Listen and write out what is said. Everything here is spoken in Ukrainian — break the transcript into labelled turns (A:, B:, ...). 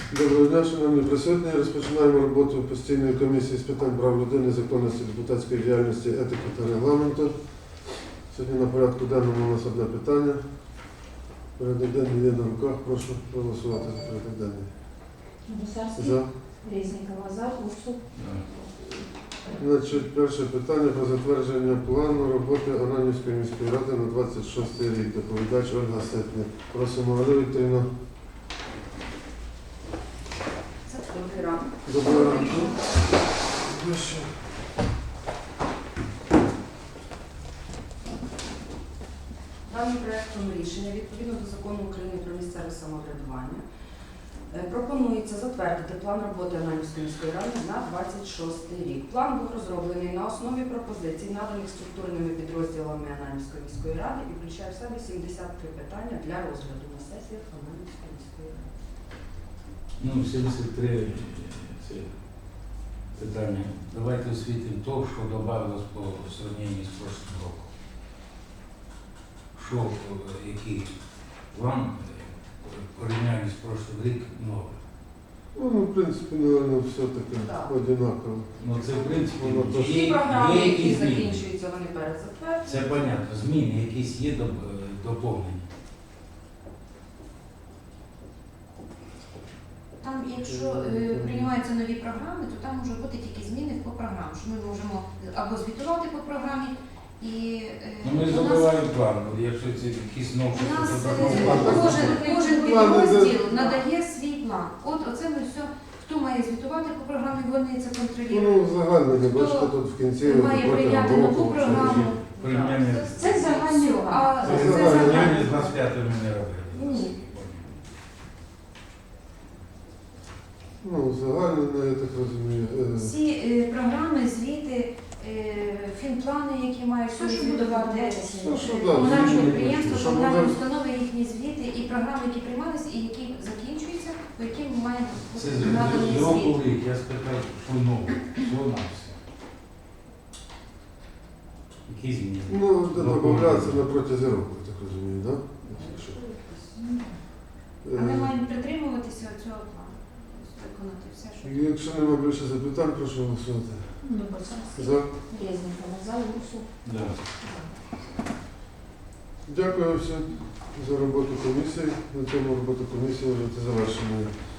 A: Доброго дня, шановні присутні. Розпочинаємо роботу постійної комісії з питань прав людини, законності, депутатської діяльності, етики та регламенту. Сьогодні на порядку денному у нас одне питання. Порядок денний є на руках. Прошу проголосувати за порядок денний.
B: Гусарський,
A: За.
B: Резнікова, за, Урсул.
A: Значить, перше питання про затвердження плану роботи Ананівської міської ради на 26 рік. Доповідач Ольга Ситник. Просимо, Олег Вікторівна.
C: Добрий ранок.
A: Доброго ранку.
C: Даним проектом рішення відповідно до Закону України про місцеве самоврядування пропонується затвердити план роботи Ананівської міської ради на 26 рік. План був розроблений на основі пропозицій, наданих структурними підрозділами Ананівської міської ради і включає в себе 73 питання для розгляду на сесіях Ананівської міської ради.
D: Ну, 73 це питання. Давайте освітимо то, що додавалось по сравненню з прошлым роком. Що, який план порівняння з прошлым рік новий.
A: Ну, в принципі, наверное, все-таки
C: Так.
A: одинаково.
D: Ну, це, в принципі,
A: Воно то ж-
C: Всі програми, які
D: якісь зміни.
C: закінчуються, вони перед затвердженням.
D: Це понятно. Зміни якісь є доповнення.
E: Там, якщо приймаються нові програми, то там можуть бути тільки зміни по програмам, що ми можемо або звітувати по програмі, і
D: Ну, ми
E: у нас,
D: забиваємо план, якщо це якісь новші,
E: у нас
D: то
E: кожен
A: Плани
E: підрозділ надає свій план. От оце ми все, хто має звітувати по програмі, вони це контролюють.
A: Ну, загально, не бачите, тут в кінці
E: Має
A: протягом
E: прийняти нову
A: року,
E: програму.
D: порівняння
E: Це загальні, а
A: Це
E: це
A: загальні.
E: загальні.
D: порівняння з 25 ми не робили.
E: Ні.
A: Ну, загально, я так розумію.
E: Всі програми, звіти, фінплани, які мають
B: Все, що буде
E: звітувати
B: відбуватися.
A: Ну, що, да,
E: комунальні
A: звісно,
E: підприємства,
A: що
E: комунальні
A: буде-
E: установи, їхні звіти і програми, які приймалися і які закінчуються, по яким ми маємо
D: Це
E: бути наданий
D: з року
E: звіт.
D: в рік, я спитав, що нове, всього на все. Які зміни?
A: Ну, додається на протязі року, я так розумію, так?
E: А ми маємо притримуватися цього плану, виконати все, що.
A: Якщо немає більше запитань, прошу голосувати.
B: Гусарський,
A: За.
B: Резнікова, за, Урсул.
D: Да.
A: Дякую всім за роботу комісії. На цьому роботу комісії вже завершена.